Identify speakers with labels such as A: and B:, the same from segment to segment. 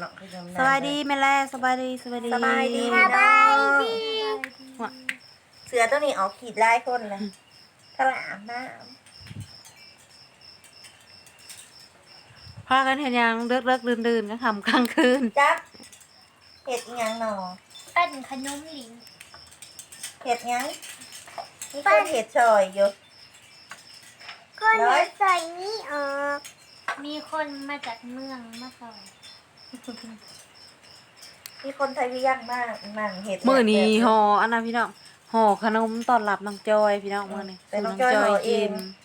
A: องขนม
B: สบายดีแม่แล่สบายดี
A: สบายดี
B: สบาย
A: พี่
B: ดี
A: น้อง
B: ว่ะ
A: เสือตัวนี้ออกขีดลายคนเลยถลามน้
B: พากันเห็นยังเลิกดื่นๆก็ทำกลางคืน
A: ำจักเห็ดอิหยังหนอ
C: ปั้นขนมหลิง
A: เห็ดหยังนี่คนเห็ดชอยอยู่
C: คน
A: น้อย
C: ใส่นี้ออก มีคนมาจากเมืองมาสอน
A: มีคนไทยวิยังมากนั่งเห็ด
B: มื้อนี้
A: แบบ
B: ห่ออันนั้นพี่น้องห่อขนมต้อนรับน้องจอยพี่น้องมื้อนี้
A: แต่น้องจอยห่อเอง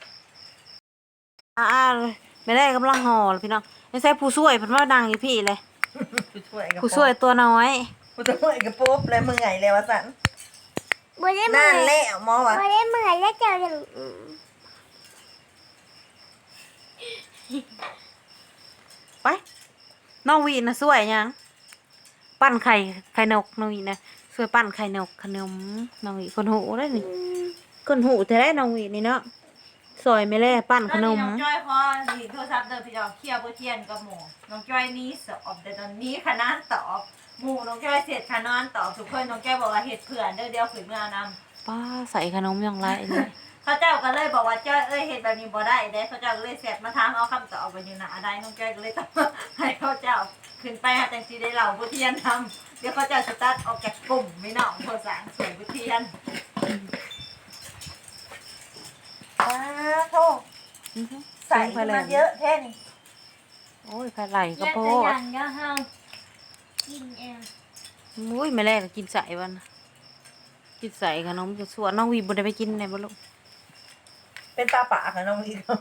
B: ไม่ได้กำลังห่อเลยพี่น้องไม่ใช่ผู้ช่วยเพิ่นว่าดังอยู่พี่เลย
A: ผู้ช่วยกับ
B: ผู้ช่วยตัวน้อย
A: ผู้ช่วยกับปุ๊บเลยมือไงเลยวะสัน
C: บ่ได้เมื่
A: นั่
C: อน ย
A: แหละหมอวะ
C: บ่ได้เมื่อยแล้วเจ้าจะ
B: ไปน้องวีนะช่วยยังปั้นไข่นกน้องวีนะช่วยปั้นไข่นกขนมน้องวีคนหูได้นี่คนหูแท้ๆน้องวีนี่เนาะซอยไม่แล่ปั้นขนม
D: น้องจ้อยพอดีโทรศัพท์เดินพี่น้องเคลียร์บ่เทียนกับหมูน้องจ้อยนี้สอบแต่ตอนนี้คณะตอบหมู่น้องจ้อยเสร็จคณะตอบทุกคนน้องจ้อยบอกว่าเฮ็ดเผื่อนเดี๋ยวขืนเมื่อนำ
B: ป้าใส่ขนมอย่างไรนี่
D: เขาเจ้าก็เลยบอกว่าจ้อยเฮ็ดแบบนี้บ่ได้เด้เขาเจ้าก็เลยแสบมาถามเอาคำตอบไปอยู่นะอะไรน้องจ้อยก็เลยต้องให้เขาเจ้าขึ้นไปหาจังสิได้เล่าบ่เทียนทำเดี๋ยวเขาเจ้าสตาร์ทออกจากกลุ่มไม่น้องโทรสารสวยบ่เทียน
A: อ้าโทษใส่มาเยอะแค่นี้
B: โอ้ยไข่ไหลก็
C: แล้ว
B: โพ
C: จะ
B: ด
C: อย่างเดียวเฮากินเอง
B: อุ้ยไม่แล่ก็กินใส่วันน่ะกินใส่ขนมจะสวนน้องวีบ่ได้ไปกินไหนบ่ลูก
A: เป็นปลาป่าค่ะน้องลีครับ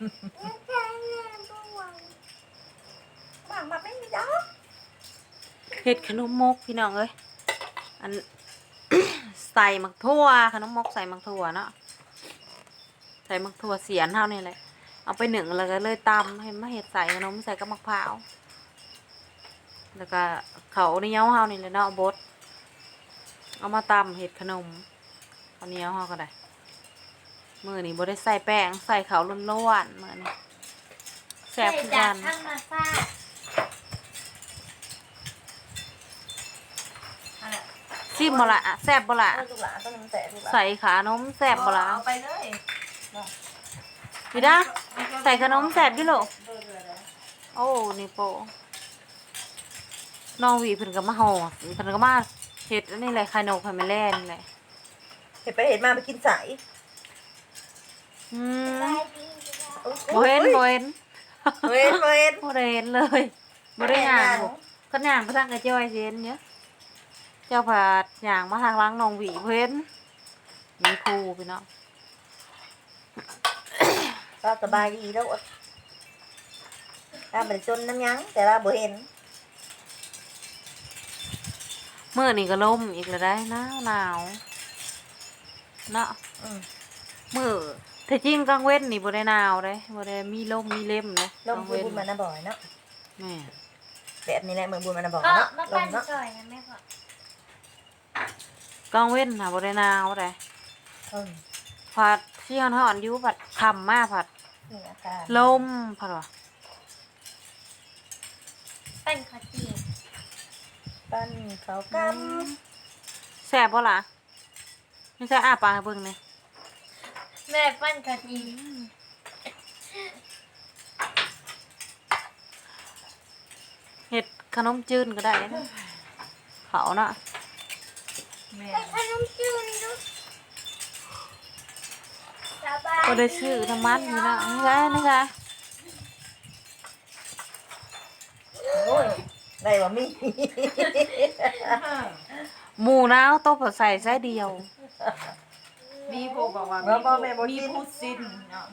A: บางมาไม่มีดอก
B: เฮ็ดขนมมกพี่น้องเอ้ยอัน ใส่มักทั่วขนมมกใส่มักทั่วเนาะใส่มักทั่วเสียนเท่านี่แหละเอาไปหนึ่งแล้วก็เลยตำให้มาเฮ็ดใส่ขนมใส่กับมะพร้าวแล้วก็เขาวเหนียวเฮานี่แหละเนาะบดเอามาตำเฮ็ดขนมข้าวเหนียวเฮาก็ได้มื้อนี้บ่ได้ใส่แป้งใส่ข้าวล้วนๆมื้อนี้แซ่บคือ
C: จา
B: กั
C: ก
B: น
C: ธรรมชาติ
D: นั่นแหละ
B: ซิมบ่ล่ะแซ่บบ่ล่ะ
A: เอาลูกหลานต้องน้ำแต่ลูกหลาน
B: ใส่ขานมแซ่บบ่ล่ะ
D: เอาไปเลย
B: พี่ดาใส่ขนมแซ่บอยู่ลูกโอ้นี่โปน้องหวีเพิ่นก็มาห่อเพิ่นก็มาเฮ็ดอันนี้แหละไข่นกให้แม่แล่นแหละ
A: เห็ดไปเห็ดมาไปกินใส่
B: อืม
C: ได้ดี
B: บ่เห็นบ่เห็น
A: เว้นเว้น
B: บ่ได้เห็นเลยบ่ได้ย่างคันย่างไปทางกระจ้อยสิเห็นเด้อเจ้าผาดย่างมาทางหลังน้องหวีบ่เห็นมีครูพี่น้อง
A: ก็สบายดีแล้วถ้าเป็นจนน้ำยังแต่เราบ่เห็น
B: มื้อนี้ก็ลมอีกแล้วได้หนาวเนาะ
A: อืม
B: มื้อแต่จริงกลางเว้นนี่บ่ได้หนาวเด้บ่ได้มีลมมีเล่มเด้
A: ลมบุญมานะบ่อยเนาะ
B: แม่
A: แบบนี้แหละเมืองบุญมานะบ่อย
C: ก็
A: เนาะ
C: มา
A: ล
C: ปั้
A: ม
C: น
A: เนาะ
C: ซอยนะแม่พ่อก
B: ลางเว้นน่ะบ่ได้หนาวเด้
A: อืม
B: ผัดที่ฮ้อนๆอยู่ผัดค่ำมาผัด
A: นี่อาการ
B: ลมผัดว่า
C: ปั้นข้าวจี่
A: ปั้นเขาก
B: แซ่บบ่ล่ะไม่ใช่อ้าปากให้เบิ่งนี่
C: แม่ปั้นข้าวจี่
B: เฮ็ดขนมจืนก็ได้นะเขาน่ะ
D: แม่
C: ขนมจีนดูสบาย
B: บ่ได้ซื้อน้ำมันนี่นะนี่ไง
A: ำโอ้ยได้บ่มี
B: หมูนาวต้มใส่ไส้เดียว
D: มีผู้บอกว่ามีผู้สิ้นเนาะ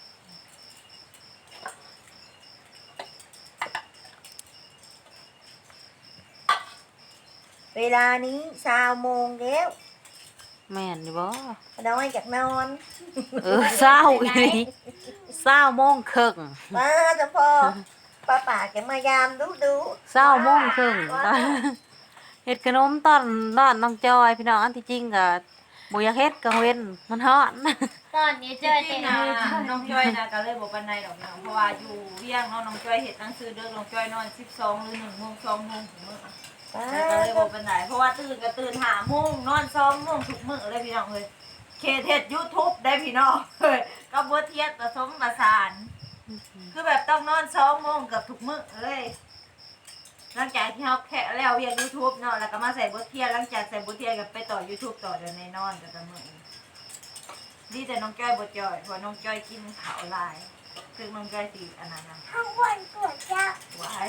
A: เวลานี้20 โมงแล้ว
B: แม่นอยู่บ่
A: น้อยจากนอน
B: เช้าอีหลี20:30 น
A: มาจะพอป้าป่าแกมายามดู
B: 20:30 นเฮ็ดขนมตอนน้องจอยพี่น้องอันที่จริงก็บ่อยากเฮ็ดก็เว้นมันฮ้อน
C: ตอนนี้
D: จ
C: เจอ
D: ริ
C: แต่
D: งๆนะน้องจ้อยนะก็เลยบอกปันในดอกเนาะเพราะว่าอยู่เวียงเนาะน้องจ้อยเห็ดหนังสือเด้อน้องจ้อยนอน12หรือ1 โมง2 โมงถึงมื้อแต่ก็เลยบอกปันไหนเพราะว่าตื่นก็ตื่น5 โมงนอน2 โมงทุกมื้อเลยพี่น้องเอ้ยเคเฮ็ด YouTube ได้พี่น้องเอ้ยก็บ่เทียบผสมผสานคือแบบต้องนอน2 โมงเกือบทุกมื้อเลยหลังจากที่เฮาแค่แล้วเวียง YouTube เนาะแล้วก็มาใส่บทเทียนหลังจากใส่บทเทียนก็ไปต่อ YouTube ต่อเดี๋ยวในนอนแต่ละมื้อ ดีแต่น้องจ้อยบ่จ้อยเพราะน้องจ้อยกินข้าวหลายซึ่งน้องจ้อยสิอันนั้นนะ
C: ข้าววันกวดจ้า
D: หวาย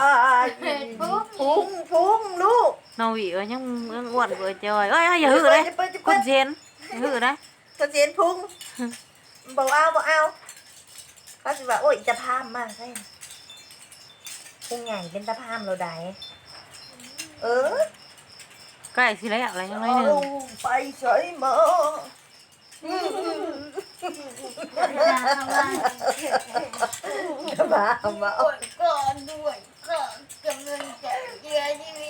A: พุงลูก
B: น้องหวีก็ยังอ้วนกว่าจอยเอ้ยอย่าหื้อเลยคนเจนอย่าหื้อนะ
A: กระเจียนพุงบ่เอาเขาสิว่าโอ้ยจะพามมากใช่พุงใหญ่เป็นตะพามเราได้เออ
B: ใกล้สิแล้วอะไรยังไงหนึง
A: ไปใส่หมอ จะมาเอา
C: ก่อนด้วยก่อนกำลังจะเยือชีวิต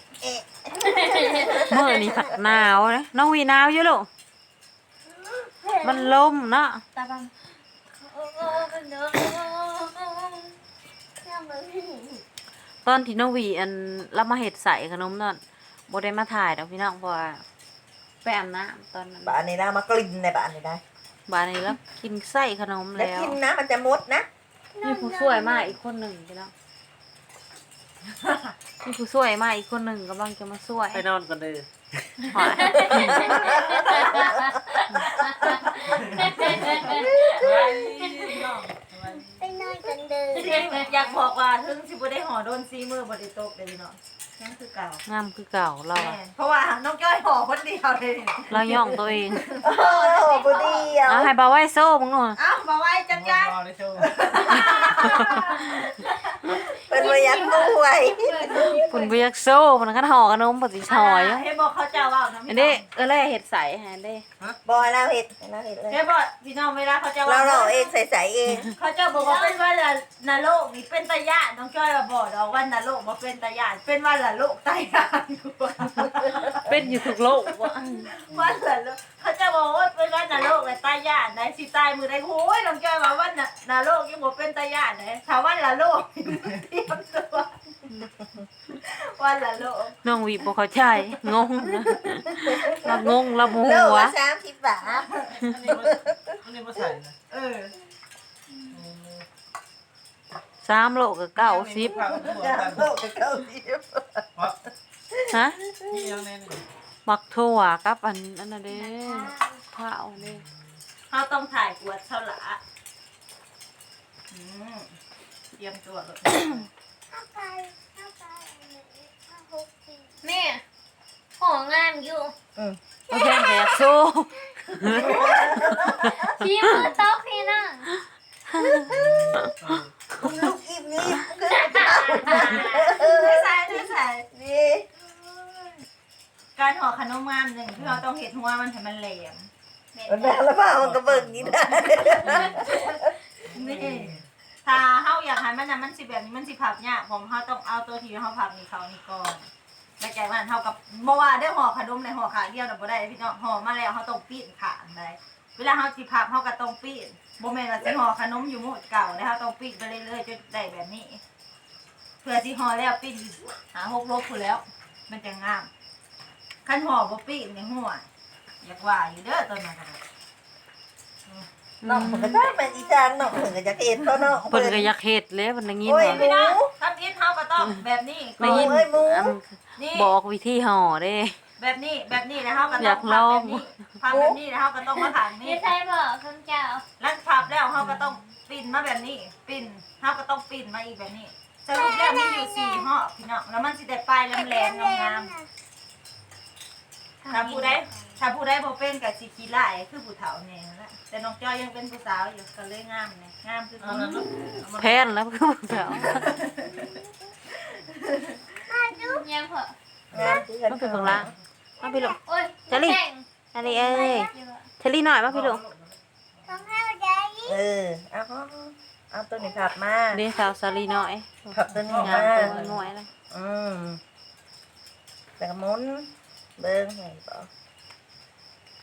B: มื้อนี้ผัดหนาวนะน้องหวีหนาวอยู่ลูกมันลมเนาะ
C: ตาบังโอ้เนาะ
B: ตอนที่น้องหวีอันเรามาเฮ็ดใส่ขนมนั่นบ่ได้มาถ่ายดอกพี่น้องเพราะว่าไปอาบน้ำตอนนั้น
A: บ้านนี้นะมากลิ่นในบ้านนี้ได้
B: บ้านนี้แล้วกินไส้ขนม
A: แล้ว
B: แล้ว
A: กินนะมันจะมดนะ
B: มีผู้ช่วยมาอีกคนหนึ่งพี่น้องมีผู้ช่วยมาอีกคนหนึ่งกำลังจะมาช่วย
E: ไปนอนกันเลย
B: หอย
C: ไปนอนกันเดิน
D: อยากบอกว่าถึงสิบ่ได้ห่อโดนซีมือบ่ได้ตกเลยพี่น้องยังคือเก่าง
B: ามคือเก่าเรา
D: แม่นเพราะว่าน้องจ้อยห่อคนเดียวเลย
B: เราย่องตัวเอง
A: โอ้บุดีอ่ะ
B: เอาให้บาไว้โซ่มึงหน่อย
D: เอ้ามาไว้จังยัน
E: นอนในโชว์
A: เป็นระยะด้วย
B: ปุ่นเบียกโซ่มันก็ห่อขนมปฏิชอย
D: ให้บอกเขาเจ้าว่านะ
B: อันนี้เลยเห็ดใสฮะเด้
A: บอยเราเห็ดเราเห็ดเลย
D: ให้บอกพี่น้องเวลาเขาเจ้า
A: เรา
D: ว่า
A: เราเองใส่เอง
D: เขาเจ้าบอกว่าเป็นว่าละนรกนี่เป็นตาญาติน้องจ้อยว่าบอกดอกว่านรกบ่เป็นตาญาติเป็นว่าละโลกตาญาติ
B: เป็นอยู่ทุกโลกวะ
D: ว่าละโลกเขาเจะบอกว่าเป็นว่านรกเลยตาญาติได้สิตายมือได้โอ้ยน้องจ้อยว่าว่านรกยังบ่เป็นตาญาติเลยถ้าว่าละโลกเตรียมตัวว่าละโลก
B: น้องวีบอกเขาใจงงนะเรางงเราโมโห
A: เลิก
B: วะ
A: ว่า30 บาท
E: อันนี้มาใส่นะ
D: เออ
B: 3 โลกับ90
E: ข้าวถั่วกัน
A: โลกกับ90
B: ฮะ
E: นี่ยังแน่นี่
B: มักถั่วกับอันนั้นเด้ข้าวเด้
D: เขาต้องถ่ายกวดเท่าหละเตรียมตัวเลย
C: แม่ของงามอยู่
B: โอเคแต่อยากสู้
C: พี่มือโต๊ะพี่นั่ง
A: ลูกอิ่มนี่
D: ไม่ใส่ไม่ใส่
A: นี่
D: การห่อขนมงามหนึ่งที่เราต้องเห็ดหัวมันให้มันแหลม
A: มันแบบละเปล่ามันก็เบิ่งนี่ได้
D: นี่ถ้าเฮาอยากให้มันน่ะมันสิแบบนี้มันสิผับยากผมเฮาต้องเอาตัวที่เฮาผับนี่เขานี่ก่อนแล้วจากนั้นเฮากับบ่ว่าได้ห่อขนมในห่อขาเดียวน่ะบ่ได้พี่น้องห่อมาแล้วเฮาต้องปีนขาอันใดเวลาเฮาสิผับเฮาก็ต้องปีนบ่แม่นว่าสิห่อขนมอยู่หมดเก่าแล้วเฮาต้องปีนไปเรื่อยๆจนได้แบบนี้ เพื่อสิห่อแล้วปีนหา6 ลบพู้นแล้ว มันจะงามคันห่อบ่ปีนนี่หัวอยากว่าอยู่เด้อตอนนั้นก็ได้
A: น้องมันก็ได้มันอีจางน้องมันก็จะเห็นเพราะน้อง
B: เพิ่นก็อยากเฮ็ดเลยมันได้ยิน
A: โอ้ย
B: ว่า
D: พี่น้องทำอิฐเฮาก็ต้องแบบนี้ก่
B: ได้
D: อน
B: ยิน
A: โอ้ยหมู
B: อัน
D: นี่
B: บอกวิธีห่อเด้
D: แบบนี้แล้วเฮาก็
B: อ
D: ต้
B: ยา
D: อง
B: กลอง
D: พับแบบนี้แล้วเฮาก็ต้องมาขังนี่
C: พี่ใช่บอกคำเจ้า
D: แล้วพับแล้วเฮาก็ต้องปิ้นมาแบบนี้ปิ้นเฮาก็ต้องปิ้นมาอีกแบบนี้สรุปแล้วมีอยู่4ห่อพี่น้องแล้วมันสิได้ปลายแหลมๆงามๆถ้าผู้ใดบ่เป็นก็สิขี้ร้ายคือผู้เฒ่าแน่นั่นแหละแต่น้องจ้อยยังเป็นผู้สาวอยู่ก็เลยงามนี่งามคือ
E: เอานั่นเนาะ
B: แพนแล้วคือพวกเขา
C: ยังเผอะ
A: งานที่กัน
B: มันเป็นของล่างมาพี่ลูก
C: โอ้ย
B: จะรีบ
C: แข่ง
B: อันนี้เอ้ยเทลลี่หน่อยมาพี่ลูก
C: ต้องให้ใจ
A: เอาตัวนี้ผับมา
B: เรียนสาวสาลีหน่อย
A: ผับตัวนี้
B: งาม
A: มา
B: ตัวหน่อยเลย
A: แต่ก็หมุนเบิ้งไงบ่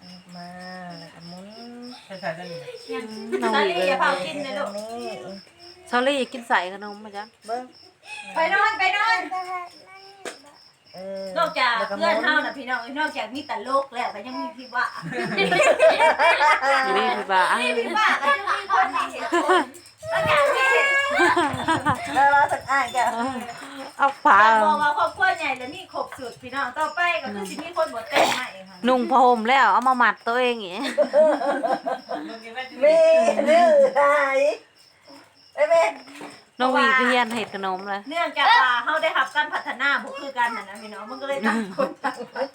A: มาแล้วก็หมุน
E: ใส่ได้นี่
B: น้อง
D: ซา
B: วี
D: ลี่อย่าเผากิน
A: ต
D: เลย
A: ร
D: ลูก
A: งนี้
B: ซอรี่กินใส่ขนมมาจ้ะ
A: เบิ้ง
D: ไปนอนไปนอน
A: เ
D: นอกจาก
A: แล้ว
D: เพื่อน
A: หมุ
D: เฮาน่ะพี่น้องนอกจากมีแต่โลกแล้วก็ยังมีพี่ว่า
B: อยู่นี่พี่บ้า
D: พี่ว่าก็ยังมีคนที่เห็นแล้วอย่างที่เห็น
A: แล้วเราสักอ่านแก
B: เอาฝา
D: แต่บอกว่าครอบครัวใหญ่แล้วมีครบสุดพี่น้องต่อไปก็คือสิมีคนบ่แต่งใหม่ค่ะ
B: นุ่งผ้าห่มแล้วเอามามัดตัวเองอย่างงี้
E: มึงกินได้จริง
A: มีหรือหายไอ้แม่
B: น้องวีก็เฮียนเห็ดขนมเลย
D: เนื่องจากว่าเฮาได้รับการพัฒนาบ่คือกันน่ะนะพี่น้องมันก็เลยต่างคนต่างไป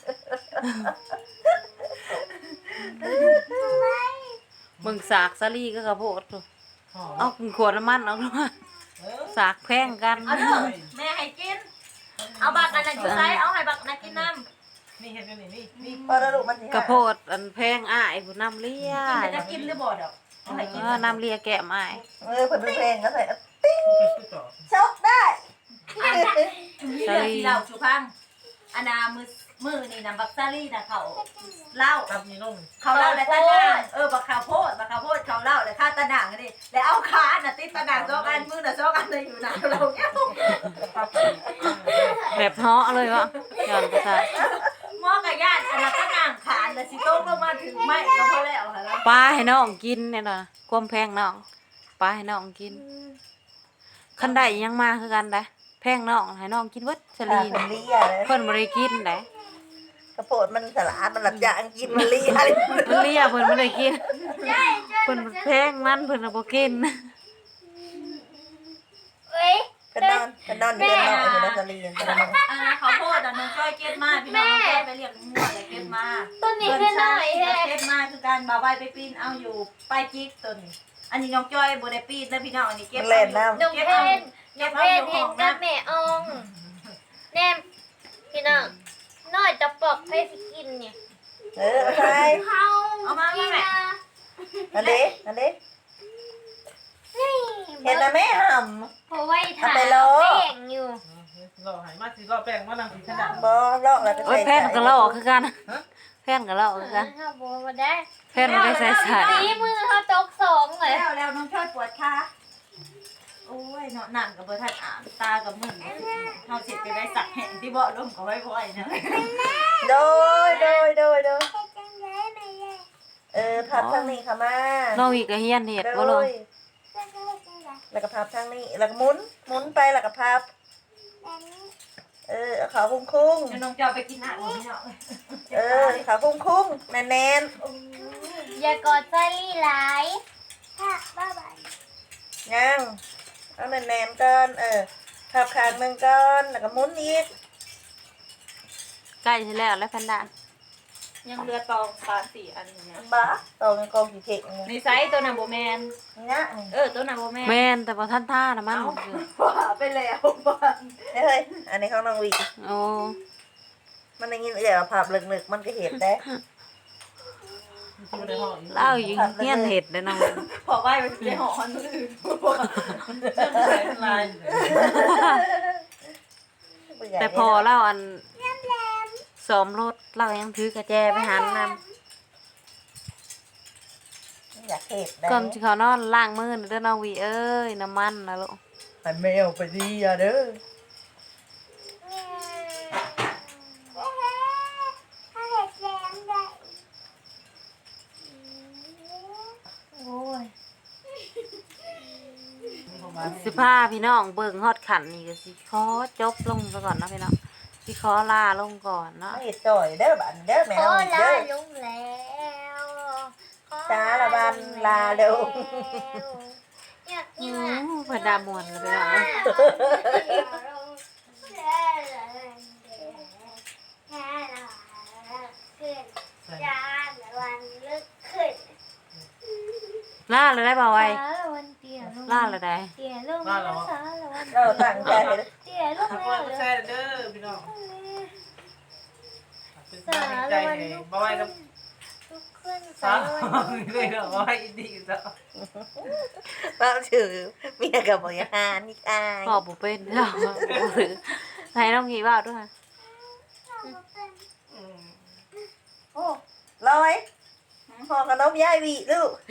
B: มึงสากซาลี่ก็กระโพด
E: หอม
B: เอาขวดน้ำมันเอาด้วย
E: เออ
B: สากแพงกัน
D: เอาเด้อแม่ให้กินเอาบักอันนั้นอยู่ไสเอาให้บักนั้นกินน้ำ
E: นี่เห็นกันนี่นี่
A: พอแล้วลูกมันสิหาย
B: กระโพดอันแพงอ้ายผู้น้ำเลี้ย
D: กินจะกินหรือบ่ดอกเอาให้กิน
B: น้ำเลี้ยแก้มอ้าย
A: เพิ่นดูเพลงก็ใส่
E: คือต่อ
A: ชกได้
D: มีเรื่องที่เราสุพังอันนามือนี่นะบักซาลี่นะเขาเล่า
E: ตับนี่ลง
D: เขาเล่าแล้วตะนางบักข้าวโพดเขาเล่าแล้วข้าตะนางนี่แล้วเอาขาน่ะติดตะนางสองอันมือน่ะสองอันเลยอยู่นะเราเนี่ย
E: ตับ
B: แบบเหาะเลยวะย้อนไปซะ
D: หม้อกับญาติอันนั้นตะนางขาแล้วสิโต๊ะลงมาถึงไม่ก็พอแล้วค่ะแล้ว
B: ปลาให้น้องกินเนี่ยนะความแพงน้องปลาให้น้องกินคันได้ยังมาคือกันได้แพงน้องให้น้องกินเวัดสลี
A: มัน
B: น
A: เลียเลย
B: เพิ่นบ่ได้กินได้
A: กระโปดมันสลาดมันหลับยางกินมันเลียเลย
B: มันเลียเพิ่นบ่ได้กินเพิ่นแพงมันเพิ่นน่ะบ่กิน
C: เอ้ย
A: กันนอนอยู่กันนอนไอ้คนนั้นสลีนกันนอน
D: อันนั้นข้าวโพดอันน้องจ้อยเก็บมาพี่น้องจ้อยไปเรียกมั่วเลยเก็บมา
C: ต้นนี้ขึ้นหน่อยแท้
D: เก็บมาคือการบ่าวใบไปปีนเอาอยู่ป้ายจิ๊กตัวนี้อันนี้น้องจ้อยบ่ได้ปีนแล้วพี่น้องอันนี้เก็บ
A: มันเล่นน้
C: น้องเพนน้องเพนเห็นกับแม่อองแนมพี่น้องน้อยจะปอกให้สิกินเนี่ย
A: ำเอาไป
C: เขา
D: เอามา
C: กิน
D: แม่
C: นะ
A: อันนี้
C: นี่
A: เห็นนะแม่ห่
C: เพราะไว้ถ่า
A: เอาไปโล
C: แป้งอยู่
E: รอหายมาสิรอแป้งมานั่งกินขนาด
A: ำบ่ลอกแล้วก็
B: โอ้ย
A: ใส่
B: แพนก็ลอกคือกันแพนก็ลอกคือกัน
C: ถ้าบัวมาได้
B: แพนบ่ได้ใส่ใส่
C: ตีมือเขาตกสองเลย
D: แล้วน้องจ้อยปวดขาโอ้ยเนาะนั่งกับบ่ทันอ่านตากับมึนเฮาสิไปได้สักแห่งที่บ่ลมก็ไว้บ่อยนะ
A: โดยพับทางนี้ค่ะมา
B: น้องวีก็เฮียนเห็ดบ่ลง
A: แล้วก็พับทางนี้แล้วก็หมุนไปแล้วก็พับเอาขาคุ้ง
D: เดี๋ยวน้องจ้อยไปกินอาหารพี่น้อง
A: ขาคุ้งแน่น
C: อย่ากอดใจหลายค่ะบ๊ายบาย
A: ๆย่างเอาแน่นๆก่อนพับข้างหนึ่งก่อนแล้วก็หมุนอีก
B: ใกล้สิแล้วแล้วแพนด้า
D: ยังเรือตอง3-4อันอย่างเงี้ย
A: บ้าตองกองกี่เข่ง
D: ในไซส์ตัวน่ะบ่แม่น
A: เนี่ย
D: ตัวน่ะบ่แม่น
B: แม่นแต่บ่ทันท่านะมัน
D: ว่าไปแล้วบ้าน
A: เฮ้ยอันนี้ของน้องวี
B: โอ้
A: มันได้ยินเดี๋ยวพับลึกๆมันก็เห็นได้
E: อยู่ในห้องอีก
B: เล่าอยู่เฮียนเห็ดเด้อน้อง
D: พอไหว้ไปได้หอคนอื่น
E: ใส่ลาย
B: แต่พอเล่าอันซ้อมรถเรายังถือกระแจไปหันน
A: อยากเห็ดได้
B: ำก่อนสิเขานอนล้างมือเด้อน้องวีเอ้ยน้ำมันนะลูก
A: ให้แมวไปดีอ่ะเด้อ
C: โอ้ย
B: สิพาพี่น้องเบิ่งฮอดขันนี่ก็สิขอจบลงซะก่อนเนาะพี่น้องสิขอลาลงก่อนเนาะ
A: ไม่เห็ดจ่อยเด้อบันเด้อแม
C: ข
A: ว
C: อ
A: อีก
C: ลา
A: เด้อ
C: ลุงแล้วขอ
A: ช้าละบันลาเร็ว
C: อยาก
B: อื
C: กินอ่ะ
B: มเพิ่นด่ามวนเลยพี่น้องเอ้ยลาเลยได้บ่าวไว้ลาเลยได้
C: เตี๋ยลูกแล้วสารวัน
A: เราตั้งใจเลย
C: เตี๋ยลูก
E: ถ้า
C: แล้
E: พ่อ
C: ว
E: ก็แช่เด้อพี่น้องเป็นกำลังใจให้บ่าวกับ
C: ทุกคน
E: สา
C: สาว รวัน
E: เลยเนาะบ่าวดีจ้ะ
A: เราถือเมียกับบริหารนี่อาย
B: พ่อบ่เป็นเนาะบ่ถือให้น้องกีว่าด้วยค่ะ
A: โอ้ลอยห่อขนมยายวีลูก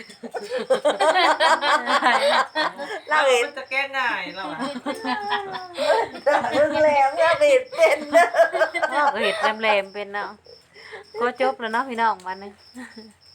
A: เราเห็น
E: มันจะแก้ง่ายแล้วอ่ะ
A: เรื่องแรงเราเห็นเป็นเด้อ
B: พ่อก็เห็ดแหลมๆเป็นเนาะก็จบแล้วเนาะพี่น้องวันนี้